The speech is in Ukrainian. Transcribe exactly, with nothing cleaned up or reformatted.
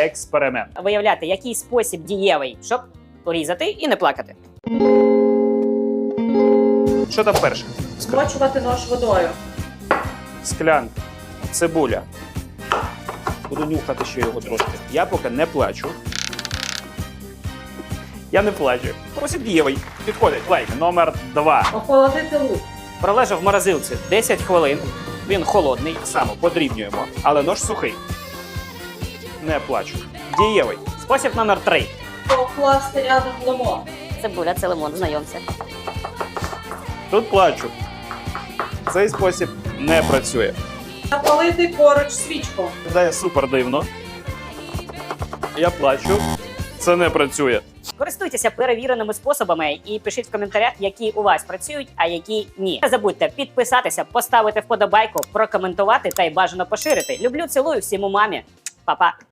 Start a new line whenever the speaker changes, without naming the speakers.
експеримент.
Виявляти, який спосіб дієвий, щоб порізати і не плакати.
Що там перше?
Змочувати нож водою.
Склянка, цибуля. Буду нюхати ще його трошки. Я поки не плачу. Я не плачу. Спосіб дієвий. Підходить. Лайк. Номер два.
Охолодити лук.
Пролежав в морозилці десять хвилин. Він холодний.
Так само подрібнюємо. Але нож сухий. Не плачу. Дієвий.
Спосіб номер три.
Покласти рядом лимон.
Цибуля, це лимон, знайомся.
Тут плачу. Цей спосіб не працює.
Запалити поруч свічку.
Виглядає супер дивно. Я плачу. Це не працює.
Користуйтеся перевіреними способами і пишіть в коментарях, які у вас працюють, а які ні. Не забудьте підписатися, поставити вподобайку, прокоментувати та й бажано поширити. Люблю, цілую, всім у мамі. Па-па.